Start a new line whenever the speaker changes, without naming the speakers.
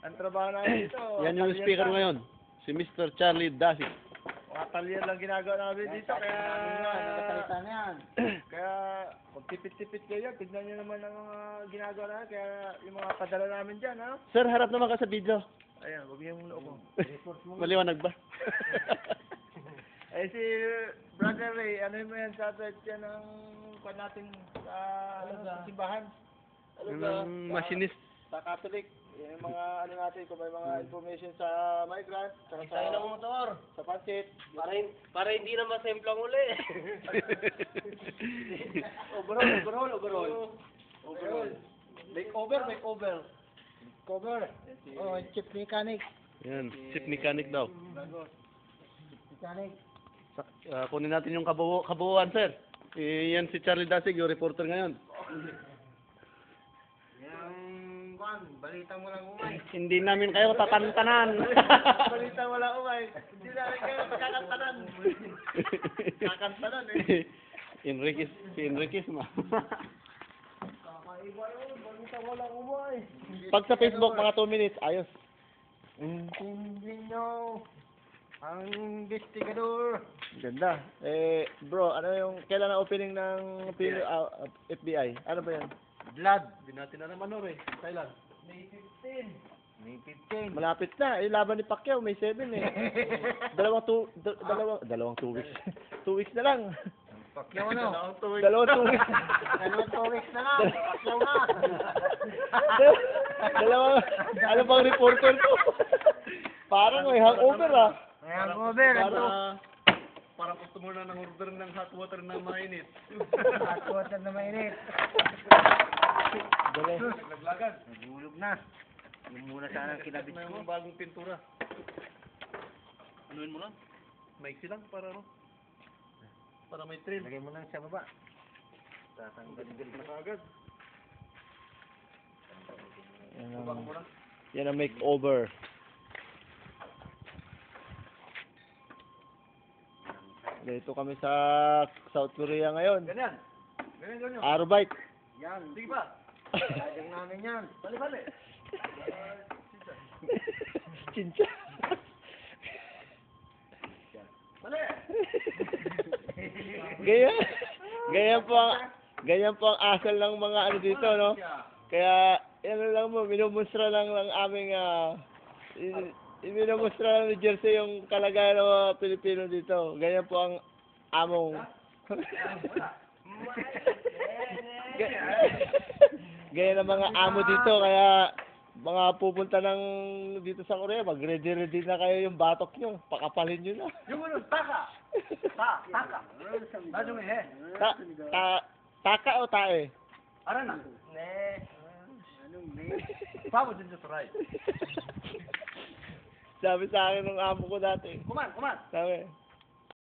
Ang trabaho namin dito.
Yan yung speaker ngayon. Si Mr. Charlie Dasik.
Mga talyan lang ginagawa namin dito. Kaya...
Nakasalita na yan.
Kaya, kung tipid-tipid kayo, tignan nyo naman ang mga ginagawa namin. Kaya, yung mga padala namin dyan, ha?
Sir, harap naman ka sa video.
Ayan, wag yung noo ko.
Maliwanag ba?
Eh, si Brother Ray, ano mo yan sa atin yan ang kwan natin sa, sa simbahan?
Yung machinist.
Sa Catholic. Yung mga ano natin, kung may mga information sa migrant, sa
Tayo ng motor.
sa pansit.
Para hindi na masemplang uli. Overall.
Overall. Makeover. Cover. Oh, chip mechanic.
Yan, chip mechanic daw.
Mechanic.
Kunin natin yung kabuuan, sir. Yan si Charlie Dasig, yung reporter ngayon.
Yung kwan, balita mo lang umay.
Hindi namin kayo tatantanan.
Balita mo lang umay. Hindi namin kayo kakantanan. Kakantanan eh.
Si Enriquez ma.
Kakaiba yun, balita mo lang umay.
Pag sa Facebook, mga 2 minutes, ayos.
Hindi nyo ang investigador.
Ganda. Bro, ano yung, kailan ang opening ng FBI? Ano ba yan?
Blood.
Hindi natin na naman eh. Kailan?
May 15.
Malapit na. Laban ni Pacquiao, May 7 eh. dalawang 2 weeks. 2 weeks na lang.
Pacquiao ano?
Dalawang 2 weeks.
Dalawang 2 weeks na lang. Pacquiao na.
Ano bang reporter ko? Parang may hangover ah.
May hangover.
Parang gusto mo na ng order ng hot water na mainit.
Hot water na mainit.
Naglagan.
Nagulog na. Yung muna sana ang kinabit
Na
ko.
yung bagong pintura. Anuin mo lang. Maiksi lang para ano? Para may trail.
Lagay mo lang sa baba. Tatanggalin na agad.
Yan ang makeover. Dito kami sa South Korea ngayon.
Ganyan.
Arbite.
Yan. Sige pa. Lagyan namin yan. Bali.
Chincha.
Bali.
Ganyan po ang asal ng mga ano dito, no? Kaya, yan lang mo, minumustra lang aming, minumustra lang ni Jersey yung kalagayan ng mga Pilipino dito. Ganyan po ang among. Ganyan ang mga amo dito, kaya mga pupunta ng dito sa Korea, mag-ready na kayo yung batok nyo, pakapalin nyo na.
Yung ano, taka. Taka. Nadong eh.
Taka o tae?
Ara na. Ne. Anong ne? Pabo din sa right.
Sabi sa akin ng amo ko dati.
Kuman.
Sabi,